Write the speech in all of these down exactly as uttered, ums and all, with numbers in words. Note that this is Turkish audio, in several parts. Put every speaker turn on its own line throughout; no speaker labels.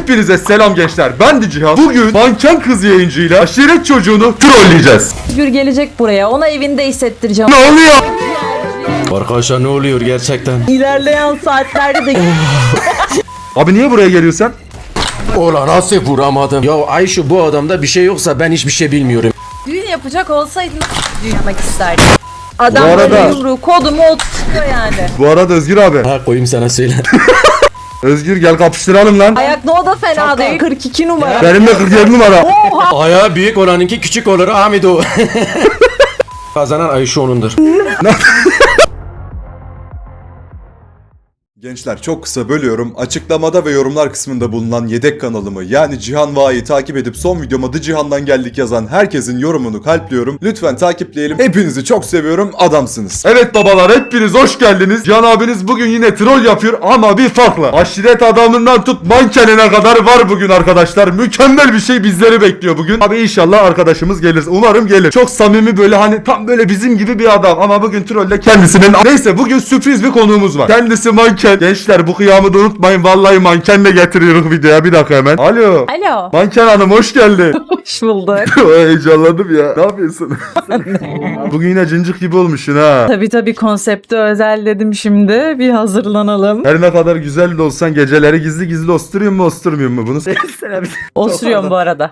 Hepinize selam gençler. Ben de Cihan. Bugün manken kız yayıncıyla aşiret çocuğunu trolleyeceğiz.
Özgür gelecek buraya. Ona evinde hissettireceğim.
Ne oluyor?
Arkadaşlar ne oluyor gerçekten?
İlerleyen saatlerde de...
Abi niye buraya geliyorsun?
Ola nasıl vuramadım? Ya Ayşe bu adamda bir şey yoksa ben hiçbir şey bilmiyorum.
Düğün yapacak olsaydın düğün yapmak isterdim. Adam
Bu arada-
böyle yumruğu kodumu oturtuyor yani.
Bu arada Özgür abi.
Ha koyayım sana söyle.
Özgür gel kapıştıralım lan.
Ayak no da fena değil. kırk iki numara.
Benimle kırk yedi numara.
Ayağı büyük olanınki küçük olur Ahmet o. Kazanan Ayşe onundur.
Gençler çok kısa bölüyorum. Açıklamada ve yorumlar kısmında bulunan yedek kanalımı yani Cihan Va'yı takip edip son videoma The Cihan'dan geldik yazan herkesin yorumunu kalpliyorum. Lütfen takipleyelim. Hepinizi çok seviyorum. Adamsınız.
Evet babalar hepiniz hoş geldiniz. Cihan abiniz bugün yine troll yapıyor ama bir farkla. Aşiret adamından tut mankenine kadar var bugün arkadaşlar. Mükemmel bir şey bizleri bekliyor bugün. Abi inşallah arkadaşımız gelir. Umarım gelir. Çok samimi böyle hani tam böyle bizim gibi bir adam ama bugün trolle kendisinin... Neyse bugün sürpriz bir konuğumuz var. Kendisi manken. Gençler bu kıyamı da unutmayın. Vallahi mankenle getiriyoruz videoya. Bir dakika hemen. Alo.
Alo.
Manken hanım hoş geldin.
Hoş bulduk.
Heyecanlandım ya. Ne yapıyorsun? Bugün yine cincik gibi olmuşsun ha.
Tabii tabii konsepti özel dedim şimdi. Bir hazırlanalım.
Her ne kadar güzel de olsan geceleri gizli gizli osturuyor mu osturmuyor mu bunu?
Osuruyorum bu arada.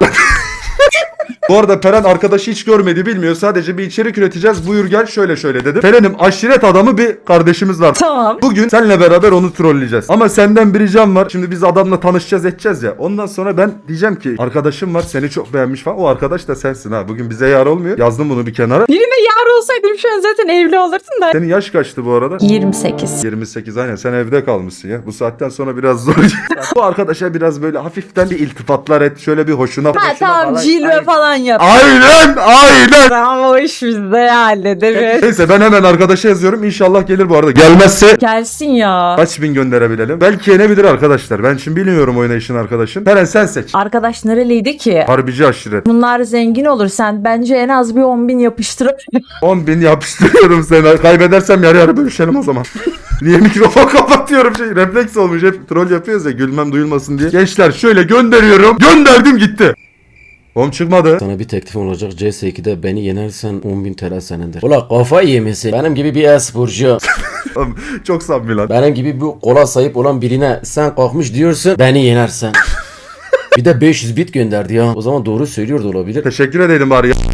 Bu arada Peren arkadaşı hiç görmedi bilmiyor. Sadece bir içerik üreteceğiz. Buyur gel şöyle şöyle dedim. Peren'im aşiret adamı bir kardeşimiz var.
Tamam.
Bugün seninle beraber onu trolleyeceğiz. Ama senden bir ricam var. Şimdi biz adamla tanışacağız edeceğiz ya. Ondan sonra ben diyeceğim ki arkadaşım var seni çok beğenmiş falan. O arkadaş da sensin ha. Bugün bize yar olmuyor. Yazdım bunu bir kenara.
Birine yar olsaydım şu an zaten evli olurdun da.
Senin yaş kaçtı bu arada?
yirmi sekiz.
yirmi sekiz aynen sen evde kalmışsın ya. Bu saatten sonra biraz zor. Bu arkadaşa biraz böyle hafiften bir iltifatlar et. Şöyle bir hoşuna
Ha
hoşuna
tamam
falan.
cilve falan yap.
Aynen aynen.
Tamam o iş bizde hallederiz.
Neyse ben hemen arkadaşa yazıyorum. İnşallah gelir bu arada. Gelmezse
Gelsin ya.
kaç bin gönderebilelim. Belki yenebilir arkadaşlar. Ben şimdi bilmiyorum oynayışın arkadaşın. Peren sen seç.
Arkadaş nereliydi ki?
Harbici aşiret.
Bunlar zengin olur. Sen bence en az bir on bin yapıştırıp
on bin yapıştırıyorum seni. Kaybedersem yarı yarı bölüşelim o zaman. Niye mikrofon kapatıyorum şey refleks olmuş hep troll yapıyoruz ya gülmem duyulmasın diye. Gençler şöyle gönderiyorum. Gönderdim gitti. Oğlum çıkmadı.
Sana bir teklifim olacak. C S iki'de beni yenersen on bin T L senindir. Ola kafayı yemesin. Benim gibi bir e-sporcu.
Oğlum, çok samimi lan.
Benim gibi bu kola sahip olan birine sen kalkmış diyorsun beni yenersen. Bir de beş yüz bit gönderdi ya. O zaman doğru söylüyor da olabilir.
Teşekkür edelim bari ya.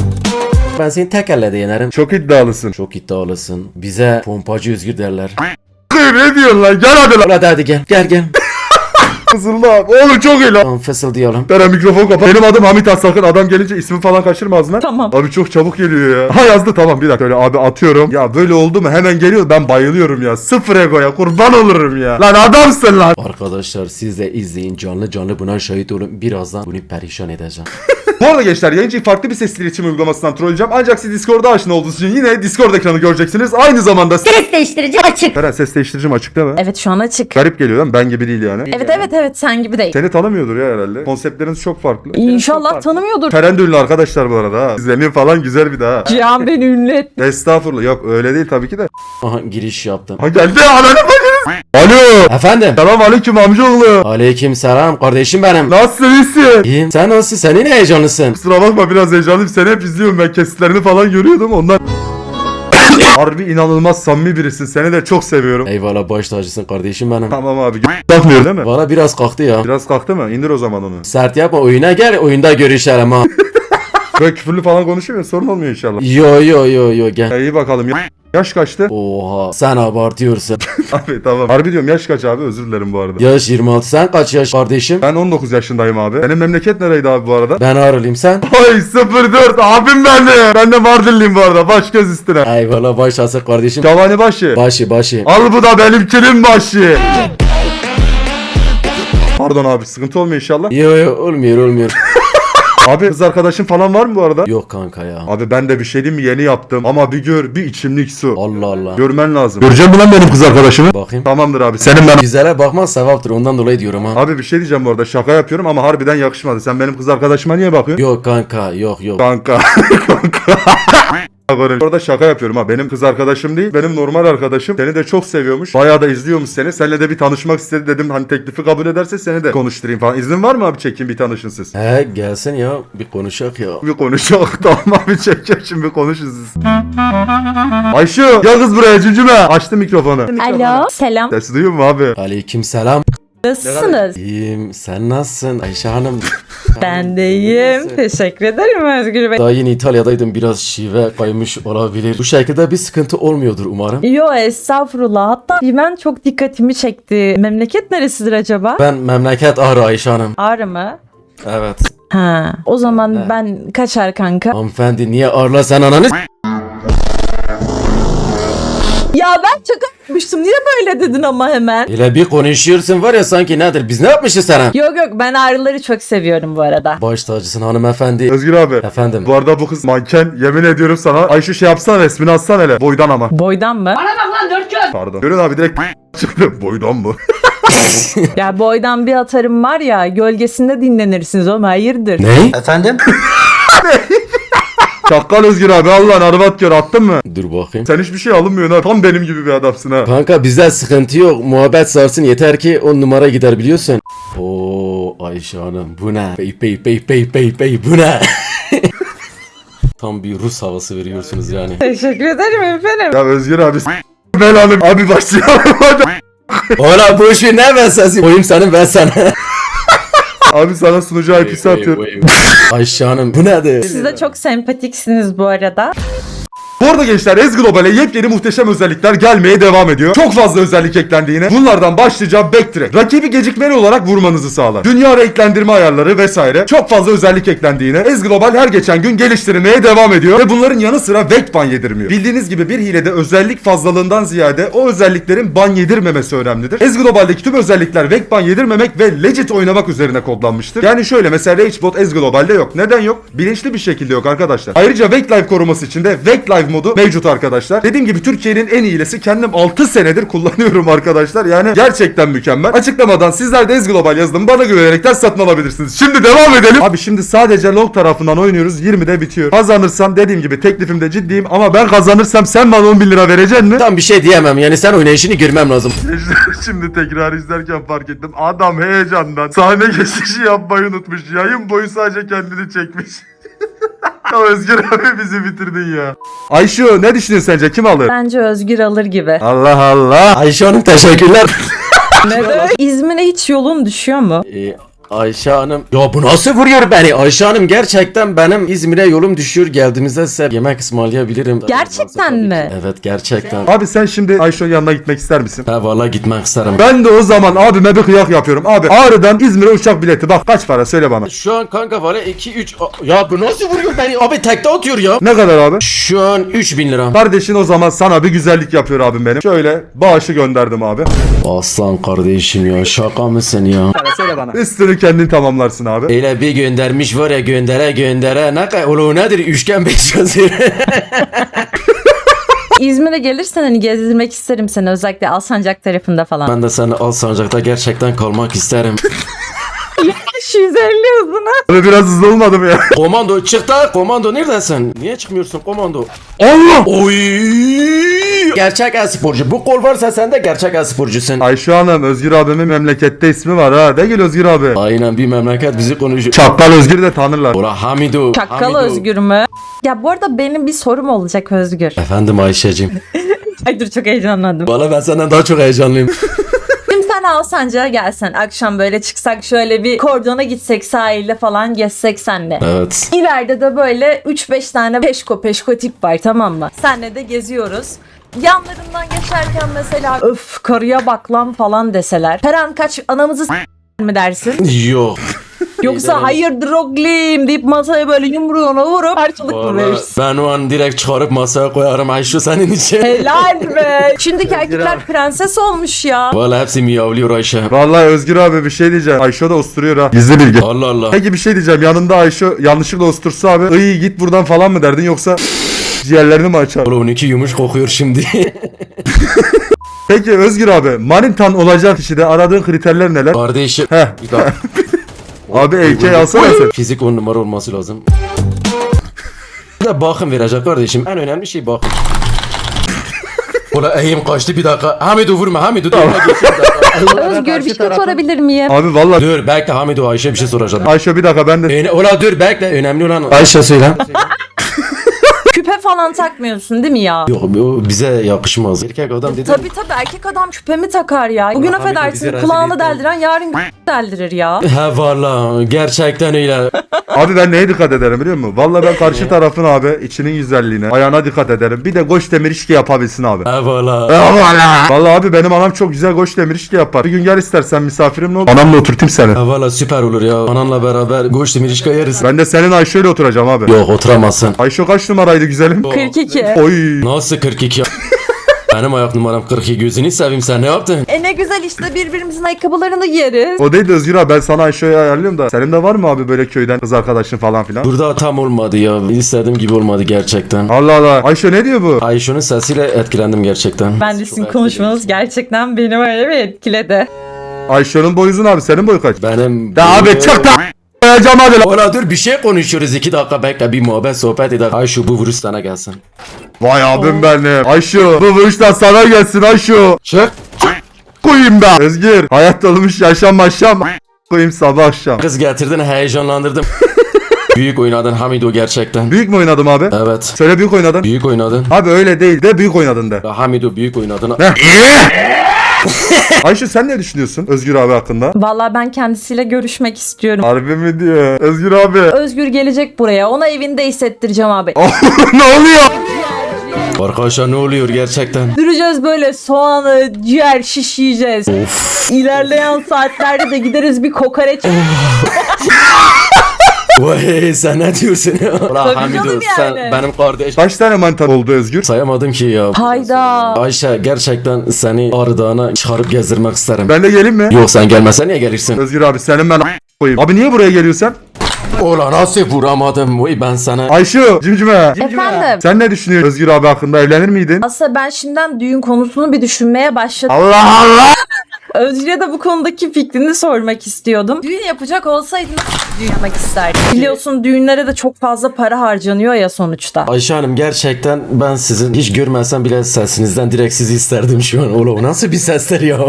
Ben seni tek elle de yenerim.
Çok iddialısın.
Çok iddialısın. Bize pompacı Özgür derler.
Ne diyorsun lan? Gel hadi lan.
Ola hadi gel. Gel gel.
Kızıldı abi. Oğlum çok iyi lan.
Tamam fısıldayalım.
Peren mikrofon kapat. Benim adım Hamit Asakın. Adam gelince ismi falan kaçırma ağzına.
Tamam.
Abi çok çabuk geliyor ya. Ha yazdı tamam bir dakika öyle abi atıyorum. Ya böyle oldu mu hemen geliyor ben bayılıyorum ya. Sıfır egoya kurban olurum ya. Lan adamsın lan.
Arkadaşlar siz de izleyin canlı canlı buna şahit olun. Birazdan bunu perişan edeceğim.
Bu arada gençler yayıncıyı farklı bir sesli iletişim uygulamasından trolleyeceğim. Ancak siz Discord'da aşina olduğunuz için yine Discord ekranı göreceksiniz. Aynı zamanda
Ses değiştirici açık.
Peren ses değiştiricim açık değil mi?
Evet şu an açık.
Garip geliyor lan ben gibi değil yani.
Evet evet evet sen gibi değil.
Seni tanımıyordur ya herhalde. Konseptleriniz çok farklı.
İnşallah tanımıyordur.
Peren de ünlü arkadaşlar bu arada ha. İzleniyor falan güzel bir daha.
Cihan beni ünlü etti.
Estağfurullah yok öyle değil tabii ki de.
Aha giriş yaptım.
Ha geldi ananı bakınız. Alo.
Efendim.
Selam aleyküm amcaoğlu.
Aleyküm selam kardeşim benim.
Nasılsın iyisin?
İyiyim. Sen nasılsın? Senin heyecanlısın.
Kusura bakma biraz heyecanlıyım. Seni hep izliyorum ben kesitlerini falan görüyordum ondan. Harbi inanılmaz samimi birisin. Seni de çok seviyorum.
Eyvallah baş tacısın kardeşim benim.
Tamam abi. Kalkmıyor değil mi?
Valla biraz kalktı ya.
Biraz kalktı mı? İndir o zaman onu.
Sert yapma oyuna gel oyunda görüşelim ha.
Böyle küfürlü falan konuşuyor ya sorun olmuyor inşallah.
Yo yo yo yo gel.
Ya iyi bakalım. Ya- Yaş kaçtı?
Oha sen abartıyorsun.
Abi tamam. Harbi diyorum yaş kaç abi özür dilerim bu arada.
Yaş yirmi altı sen kaç yaş kardeşim?
Ben on dokuz yaşındayım abi. Senin memleket nereydi abi bu arada?
Ben Ağrılıyım sen?
Ay sıfır dört abim ben de. Ben de Mardinliyim bu arada. Baş göz üstüne.
Eyvallah baş tacısın kardeşim.
Cavani başı.
Başı başı.
Al bu da benimkinin başı. Pardon abi sıkıntı olmuyor inşallah.
Yo yo olmuyor olmuyor.
Abi kız arkadaşın falan var mı bu arada?
Yok kanka ya.
Abi ben de bir şey diyeyim mi yeni yaptım ama bir gör bir içimlik su.
Allah Allah.
Görmen lazım. Göreceğim mi lan benim kız arkadaşımı?
Bakayım.
Tamamdır abi senin ben.
Güzele bakman sevaptır ondan dolayı diyorum ha.
Abi bir şey diyeceğim bu arada şaka yapıyorum ama harbiden yakışmadı. Sen benim kız arkadaşıma niye bakıyorsun?
Yok kanka yok yok.
Kanka. Kanka. Orada şaka yapıyorum ha. Benim kız arkadaşım değil. Benim normal arkadaşım. Seni de çok seviyormuş. Bayağı da izliyormuş seni. Seninle de bir tanışmak istedi dedim. Hani teklifi kabul ederse seni de konuşturayım falan. İznin var mı abi, çekeyim bir tanışın siz?
He gelsin ya bir konuşak ya.
Bir konuşalım. Tamam abi, çekeceğim şimdi, bir konuşun siz. Ayşe gel kız buraya, cücüme. Açtı mikrofonu.
Alo. Selam.
Sesi duyuyor mu abi?
Aleyküm selam.
Nasılsınız?
İyiyim. Sen nasılsın Ayşe Hanım?
Ben de iyiyim. Teşekkür ederim Özgür Bey.
Daha yeni İtalya'daydım. Biraz şive kaymış olabilir. Bu şekilde bir sıkıntı olmuyordur umarım.
Yo estağfurullah. Hatta ben çok dikkatimi çekti. Memleket neresidir acaba?
Ben memleket Ağrı Ayşe Hanım.
Ağrı mı?
Evet.
Ha. O zaman
Ne?
ben kaçar kanka.
Hanımefendi niye Ağrı'la sen ananı s-
Ya ben şaka yapmıştım. Niye böyle dedin ama hemen?
Öyle bir konuşuyorsun var ya sanki nedir? Biz ne yapmışız sana?
Yok yok, ben ağrıları çok seviyorum bu arada.
Baş tacısın hanımefendi.
Özgür abi.
Efendim.
Bu arada bu kız manken, yemin ediyorum sana. Ayşe şey yapsana, resmini atsana hele. Boydan ama.
Boydan mı?
Pardon. Görün abi, direkt çıktı. Boydan mı?
Ya boydan bir atarım var ya, gölgesinde dinlenirsiniz oğlum, hayırdır?
Ne?
Efendim?
Çakkal Özgür abi, Allah'ın arvat gör, attın mı?
Dur bakayım.
Sen hiçbir şey alınmıyorsun ha. Tam benim gibi bir adamsın ha.
Kanka bizde sıkıntı yok. Muhabbet sarsın yeter ki on numara gider biliyorsun. Oo Ayşe Hanım bu ne? Bey bey bey bey bey bey bu ne? Tam bir Rus havası veriyorsunuz yani.
Teşekkür ederim efendim.
Ya Özgür abi s- belanı. Abi başlayalım hadi.
Ola bu işi ne ben sensin? Koyayım senin ben sana.
Abi sana sunucu I P'si atıyorum.
Ayşe Hanım bu nedir?
Siz de çok sempatiksiniz bu arada.
Bu arada gençler, Ez Global'e yepyeni muhteşem özellikler gelmeye devam ediyor. Çok fazla özellik eklendi yine. Bunlardan başlıca Backtrack. Rakibi gecikmeli olarak vurmanızı sağlar. Dünya renklendirme ayarları vesaire. Çok fazla özellik eklendi yine. Ez Global her geçen gün geliştirilmeye devam ediyor. Ve bunların yanı sıra Vect ban yedirmiyor. Bildiğiniz gibi bir hilede özellik fazlalığından ziyade o özelliklerin ban yedirmemesi önemlidir. Ez Global'deki tüm özellikler Vect ban yedirmemek ve legit oynamak üzerine kodlanmıştır. Yani şöyle, mesela Ragebot Ez Global'de yok. Neden yok? Bilinçli bir şekilde yok arkadaşlar. Ayrıca Vect Live koruması için de Vect Live modu mevcut arkadaşlar. Dediğim gibi Türkiye'nin en iyilesi, kendim altı senedir kullanıyorum arkadaşlar. Yani gerçekten mükemmel. Açıklamadan sizler de Ez Global yazdım, bana güvenerekten satın alabilirsiniz. Şimdi devam edelim. Abi şimdi sadece log tarafından oynuyoruz. yirmide bitiyor. Kazanırsam dediğim gibi teklifimde ciddiyim, ama ben kazanırsam sen bana on bin lira vereceksin mi?
Tam bir şey diyemem yani sen oynayışını görmem lazım.
Şimdi tekrar izlerken fark ettim. Adam heyecandan sahne geçişi yapmayı unutmuş. Yayın boyu sadece kendini çekmiş. Ya Özgür abi bizi bitirdin ya. Ayşe ne düşünüyorsun sence, kim alır?
Bence Özgür alır gibi.
Allah Allah.
Ayşe Hanım teşekkürler.
Neden? İzmir'e hiç yolun düşüyor mu?
Ee, Ayşe Hanım. Ya bu nasıl vuruyor beni? Ayşe Hanım gerçekten benim İzmir'e yolum düşüyor. Geldiğimizde size yemek ısmarlayabilirim.
Gerçekten mi?
Evet gerçekten.
Abi sen şimdi Ayşe'nin yanına gitmek ister misin?
Ha valla gitmek isterim.
Ben de o zaman abime bir kıyak yapıyorum. Abi Ağrı'dan İzmir'e uçak bileti bak kaç para, söyle bana.
Şu an kanka valla iki üç. Ya bu nasıl vuruyor beni? Abi tekte atıyor ya.
Ne kadar abi?
Şu an üç bin lira.
Kardeşin o zaman sana bir güzellik yapıyor abim benim. Şöyle bağışı gönderdim abi.
Aslan kardeşim ya şaka mısın ya?
Üstünü kendin tamamlarsın abi.
Öyle bir göndermiş var ya göndere göndere ne kadar oğlum nedir üçgen beş yazıyor.
İzmir'e gelirsen hani gezdirmek isterim seni, özellikle Alsancak tarafında falan.
Ben de seni Alsancak'ta gerçekten kalmak isterim.
beş yüz elli hızına.
Abi biraz hızlı olmadı mı ya?
Komando çık da komando neredesin? Niye çıkmıyorsun komando?
Allah!
Oy! Gerçek e-sporcu. Bu kol varsa sen de gerçek e-sporcusun.
Ayşe Hanım, Özgür abimin memlekette ismi var ha. De gel Özgür abi.
Aynen bir memleket bizi konuşuyor.
Çakkal Özgür de tanırlar.
Ora Hamido.
Çakkal
Hamido.
Özgür mü? Ya bu arada benim bir sorum olacak Özgür.
Efendim Ayşe'cim.
Ay dur, çok heyecanlandım.
Valla ben senden daha çok heyecanlıyım.
Şimdi sen Alsancak'a gelsen, akşam böyle çıksak, şöyle bir kordona gitsek, sahilde falan gezsek senle.
Evet.
İleride de böyle üç beş tane peşko peşko tip var, tamam mı? Senle de geziyoruz. Yanlarından geçerken mesela öf karıya bak lan falan deseler. Her an kaç anamızı s- mi dersin?
Yok.
Yoksa hayırdır oglim deyip masaya böyle yumruğuna vurup harçlık mı
Vallahi
verirsin?
ben o an direkt çıkarıp masaya koyarım Ayşe senin için.
Helal be. Şimdiki erkekler prenses olmuş ya.
Valla hepsi miyavlıyor Ayşe.
Vallahi Özgür abi bir şey diyeceğim. Ayşe de osturuyor ha. Gizli bilgi.
Allah Allah.
Peki bir şey diyeceğim. Yanında Ayşe yanlışlıkla ostursa abi, iyi git buradan falan mı derdin, yoksa ciğerlerini mi açar?
Oğlum iki yumuş kokuyor şimdi.
Peki Özgür abi, manitan olacak kişide aradığın kriterler neler?
Kardeşim.
Heh.
Bir dakika.
Abi A K alsana sen.
Fizik on numara olması lazım. de bakım verecek kardeşim. En önemli şey bakım. Ola eğim kaçtı bir dakika. Hamidu vurma Hamidu. Dur,
Özgür bir şey sorabilir miyim?
Abi vallahi
dur bekle Hamidu Ayşe bir şey soracağım.
Ayşe bir dakika ben de
Öne, ola dur bekle önemli olan Ayşe söyle.
Küpe falan takmıyorsun değil mi ya?
Yok o bize yakışmaz. Erkek adam dedi.
Tabii tabii erkek adam küpe mi takar ya? Bugün
Allah, Hamid, bizi
affedersin
rezil
kulağını
etti.
deldiren yarın deldirir ya.
He valla gerçekten öyle.
abi ben neye dikkat ederim biliyor musun? Vallahi ben karşı tarafın abi içinin güzelliğine, ayağına dikkat ederim. Bir de goş demir işki yapabilsin abi.
He valla.
Vallahi abi benim anam çok güzel goş demir işki yapar. Bir gün gel istersen misafirim ne olur. Anamla oturtayım seni.
He valla süper olur ya. Ananla beraber goş demirişka yeriz.
Ben de senin Ayşe ile oturacağım abi.
Yok oturamazsın.
Ayşe kaç numaraydı güzelim?
kırk iki.
Oy.
Nasıl kırk iki? Benim ayak numaram kırk iki, gözünü seveyim sen ne yaptın?
E ne güzel işte birbirimizin ayakkabılarını giyeriz.
O değil de Özgür abi ben sana Ayşe'yi ayarlıyorum da. Senin de var mı abi böyle köyden kız arkadaşın falan filan?
Burada tam olmadı ya. İstediğim gibi olmadı gerçekten.
Allah Allah. Ayşe ne diyor bu?
Ayşe'nin sesiyle etkilendim gerçekten.
Ben de sizin konuşmanız gerçekten beni öyle bir etkiledi.
Ayşe'nin boyu uzun abi. Senin boyu kaç?
Benim...
Da abi çık da koyacağım hadi lan.
Ola dur bir şey konuşuyoruz. iki dakika bekle bir muhabbet sohbet edelim. Ayşe bu virüs sana gelsin.
Vay abim benim. Ayşe bu vuruştan sana gelsin Ayşe.
Çık.
Koyayım da. Özgür. Hayat dolmuş yaşam yaşam. Koyayım sabah akşam.
Kız getirdin heyecanlandırdım. Büyük oynadın Hamido gerçekten.
Büyük mü oynadım abi?
Evet.
Söyle büyük oynadın.
Büyük oynadın.
Abi öyle değil de büyük oynadın de.
Ya Hamido büyük oynadın.
Ne? Ayşe sen ne düşünüyorsun Özgür abi hakkında?
Vallahi ben kendisiyle görüşmek istiyorum.
Harbi mi diyor? Özgür abi.
Özgür gelecek buraya. Ona evinde hissettireceğim abi.
Ne oluyor?
Arkadaşlar ne oluyor gerçekten?
Süreceğiz böyle soğanı, ciğer, şiş yiyeceğiz.
Of.
İlerleyen saatlerde de gideriz bir kokoreç.
Vay sen ne diyorsun ya? Ulan
Tabii
Hamido
canım
sen
yani.
benim kardeş.
Kaç tane mantar oldu Özgür?
Sayamadım ki ya.
Hayda.
Ayşe gerçekten seni Ağrı Dağı'na çıkarıp gezdirmek isterim.
Ben de geleyim mi?
Yok sen gelmesen niye gelirsin?
Özgür abi senin ben koyayım. Abi niye buraya geliyorsun?
Ola nasıl vuramadım? Vay ben sana.
Ayşe cimcime.
Efendim.
Sen ne düşünüyorsun Özgür abi hakkında, evlenir miydin?
Aslında ben şimdiden düğün konusunu bir düşünmeye başladım.
Allah Allah.
Özgür'e de bu konudaki fikrini sormak istiyordum. Düğün yapacak olsaydın nasıl düğün yapmak isterdin? Biliyorsun düğünlere de çok fazla para harcanıyor ya sonuçta.
Ayşe Hanım gerçekten ben sizin hiç görmesem bile sesinizden direkt sizi isterdim şu an. Ola o nasıl bir sesler ya?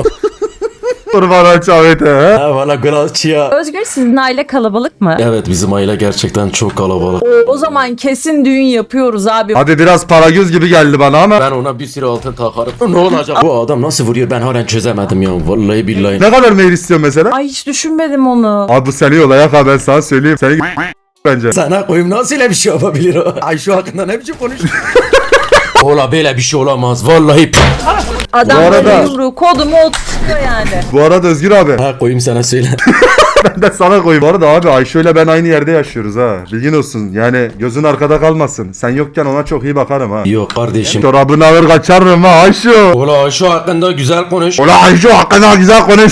Kurban çavete he?
Ha valla gracia.
Özgür sizin aile kalabalık mı?
Evet bizim aile gerçekten çok kalabalık.
O zaman kesin düğün yapıyoruz abi.
Abi biraz para göz gibi geldi bana ama.
Ben ona bir sürü altın takarım. Ne olacak? Bu adam nasıl vuruyor ben halen çözemedim ya. Vallahi billahi.
Ne kadar meyil istiyorsun mesela?
Ay hiç düşünmedim onu.
Abi bu seni yola ha ben sana söyleyeyim. Seni bence.
Sana koyayım nasıl öyle bir şey yapabilir o? Ayşe hakkında ne biçim konuşuyor? Ola böyle bir şey olamaz. Vallahi.
Adam
Bu arada-
böyle yumruğu kodumu oturuyor yani.
Bu arada Özgür abi
Ha koyayım sana söyle.
ben de sana koyayım. Bu arada abi Ayşe ile ben aynı yerde yaşıyoruz ha. Bilgin olsun. Yani gözün arkada kalmasın. Sen yokken ona çok iyi bakarım ha.
Yok kardeşim.
Çorabını alır kaçarım ha Ayşe.
Ola Ayşe hakkında güzel konuş.
Ulan Ayşe hakkında güzel konuş.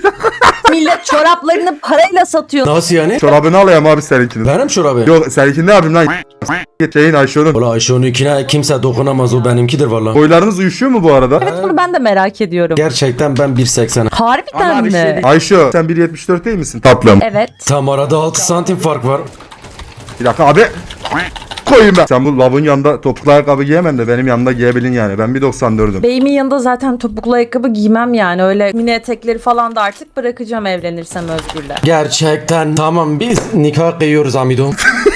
Millet çoraplarını parayla satıyor.
Nasıl yani?
Çorabını alayım abi seninkini.
Benim çorabı.
Yok seninkini ne yapayım lan? Şeyin Ayşe'nin.
Ola Ayşe onunkine kimse dokunamaz o benimkidir valla.
Boylarınız uyuşuyor mu bu arada?
Evet bunu ben de merak ediyorum.
Gerçekten ben bir seksen.
Harbiden mi?
Ayşe sen bir yetmiş dört değil misin? Tatlım.
Evet.
Tam arada altı santim fark var.
Bir dakika abi. Koyayım ben. Sen bu lavın yanında topuklu ayakkabı giyemem de benim yanımda giyebilin yani. Ben bir doksan dördüm.
Beyimin yanında zaten topuklu ayakkabı giymem yani. Öyle mini etekleri falan da artık bırakacağım evlenirsem Özgür'le.
Gerçekten tamam biz nikah kıyıyoruz Amido.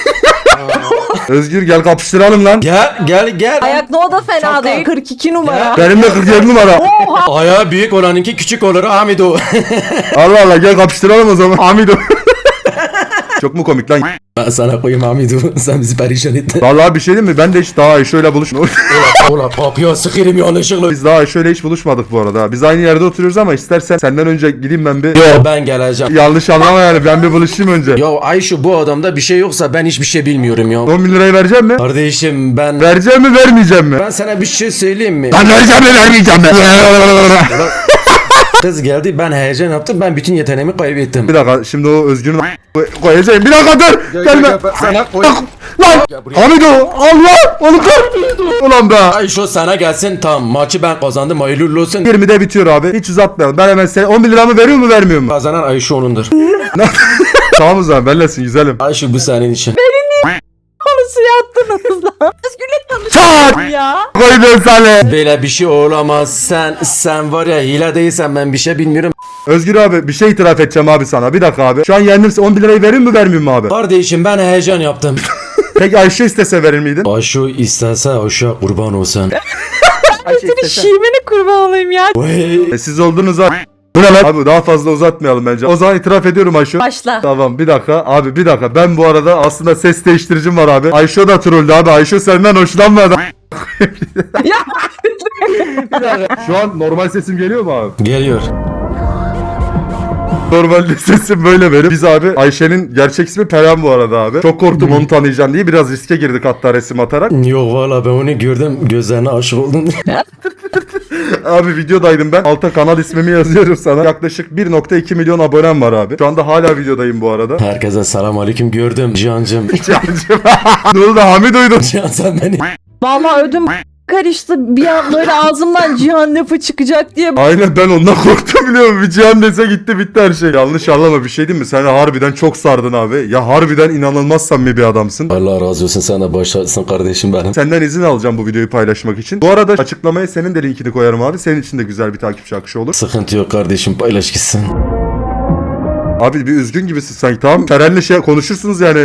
Özgür gel kapıştıralım lan.
Gel gel gel.
Ayak no da fena değil. kırk iki numara.
Benim de kırk yedi numara.
Ayağı büyük olanınki küçük olur Amido.
Allah Allah gel kapıştıralım o zaman. Hamido. Çok mu komik lan?
Ben sana koyayım Amido. Sen bizi perişan ettin.
Vallahi bir şey değil mi? Ben de hiç daha Ayşe'yle buluşmadık.
Ola kapıya sıkırım yanlışlıkla.
Biz daha Ayşe'yle hiç buluşmadık bu arada. Biz aynı yerde oturuyoruz ama istersen senden önce gideyim ben bir...
Yo ben geleceğim.
Yanlış anlama yani ben bir buluşayım önce.
Ya Ayşe bu adamda bir şey yoksa ben hiçbir şey bilmiyorum ya.
on bin lirayı vereceğim mi?
Kardeşim ben...
Vereceğim mi vermeyeceğim mi?
Ben sana bir şey söyleyeyim mi?
Ben vereceğim mi vermeyeceğim mi?
Kız geldi ben heyecan yaptım ben bütün yeteneğimi kaybettim.
Bir dakika şimdi o Özgür'ün koy- koyacağım. Bir dakika dur. Gelme.
Sana koy.
Lan. Hamido Allah. Onu kır. Ulan be.
Ayşe sana gelsin tamam maçı ben kazandım hayırlı uğurlu olsun.
yirmide bitiyor abi. Hiç uzatmayalım. Ben hemen sen on bin liramı veriyor mu vermiyor mu?
Kazanan Ayşe onundur.
Tamam o zaman benlesin güzelim.
Ayşe bu senin için.
Konusu yaptınız lan? Özgür'le
Çat!
tanıştım ya.
Koydum seni.
Böyle bir şey olamaz. Sen sen var ya hile değilsen ben bir şey bilmiyorum.
Özgür abi bir şey itiraf edeceğim abi sana. Bir dakika abi. Şu an yendimse on bir lirayı verir mi vermeyeyim mi abi?
Kardeşim ben heyecan yaptım.
Peki Ayşe istese verir miydin?
Aşu istense aşağı kurban olsun.
Ayşe
Senin şivene kurban olayım ya.
Vay.
E, siz oldunuz abi. Bu ne lan? Abi daha fazla uzatmayalım bence. O zaman itiraf ediyorum Ayşe.
Başla.
Tamam bir dakika abi bir dakika. Ben bu arada aslında ses değiştiricim var abi. Ayşe da trolldü abi. Ayşe senden hoşlanmadı.
Ya.
Bir dakika. Şu an normal sesim geliyor mu abi?
Geliyor.
Normalde sesim böyle benim. Biz abi Ayşe'nin gerçek ismi Peren bu arada abi. Çok korktum onu tanıyacaksın diye biraz riske girdik hatta resim atarak.
Yok valla ben onu gördüm gözlerine aşık oldum.
Abi videodaydım ben. Alta kanal ismimi yazıyorum sana. Yaklaşık bir nokta iki milyon abonem var abi. Şu anda hala videodayım bu arada.
Herkese selam aleyküm gördüm Cihan'cım.
Cancım. Ne oldu Hamid duydum.
Cihan sen beni.
Vallahi ödüm karıştı. Bir an böyle ağzımdan Cihan lafı çıkacak diye.
Aynen ben ondan korktum biliyor musun? Bir Cihan dese gitti bitti her şey. Yanlış anlama bir şey değil mi? Sen harbiden çok sardın abi. Ya harbiden inanılmaz samimi bir adamsın.
Allah razı olsun sana başlasın kardeşim benim.
Senden izin alacağım bu videoyu paylaşmak için. Bu arada açıklamaya senin de linkini koyarım abi. Senin için de güzel bir takipçi akışı olur.
Sıkıntı yok kardeşim paylaş gitsin.
Abi bir üzgün gibisin sanki tamam. Feren'le şey konuşursunuz yani.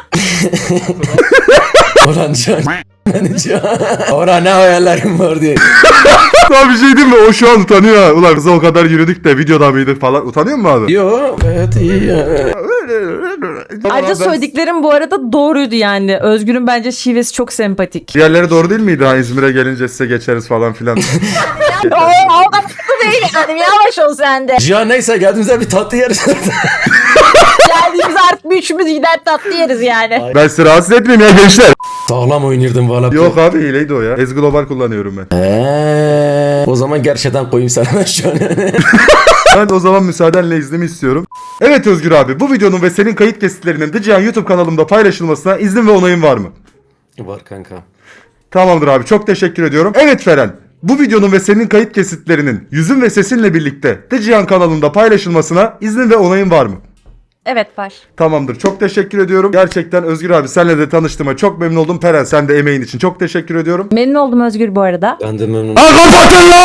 Ulan Cihan. Beni Cihan. Ora ne hayallerim var diye.
Daha bir şey değil mi? O şu an utanıyor ha. Ulan kıza o kadar yürüdük de videoda mıydık falan. Utanıyor mu abi?
Yok gayet iyi ya.
Ayrıca söylediklerim bu arada doğruydu yani. Özgür'ün bence şivesi çok sempatik.
Diğerleri doğru değil miydi? Ha İzmir'e gelince size geçeriz falan filan.
Oo, o kadar da değil yani. Yavaş ol sen de.
Cihan neyse geldiğimizde bir tatlı yeriz.
Geldiğimiz artık bir üçümüz gider tatlı yeriz yani.
Ben sizi rahatsız etmeyeyim ya gençler.
Sağlam oynardım valla.
Yok abi hileydi o ya. Ez Global kullanıyorum ben.
Eee, o zaman gerçekten koyayım sana şu an.
Ben o zaman müsaadenle iznimi istiyorum. Evet Özgür abi bu videonun ve senin kayıt kesitlerinin de Cihan YouTube kanalımda paylaşılmasına izin ve onayın var mı?
Var kanka.
Tamamdır abi çok teşekkür ediyorum. Evet Feren bu videonun ve senin kayıt kesitlerinin yüzün ve sesinle birlikte de Cihan kanalında paylaşılmasına iznin ve onayın var mı?
Evet var.
Tamamdır çok teşekkür ediyorum. Gerçekten Özgür abi senle de tanıştığıma çok memnun oldum. Peren sen de emeğin için çok teşekkür ediyorum.
Memnun oldum Özgür bu arada.
Ben de memnun.
Ha kapatın lan!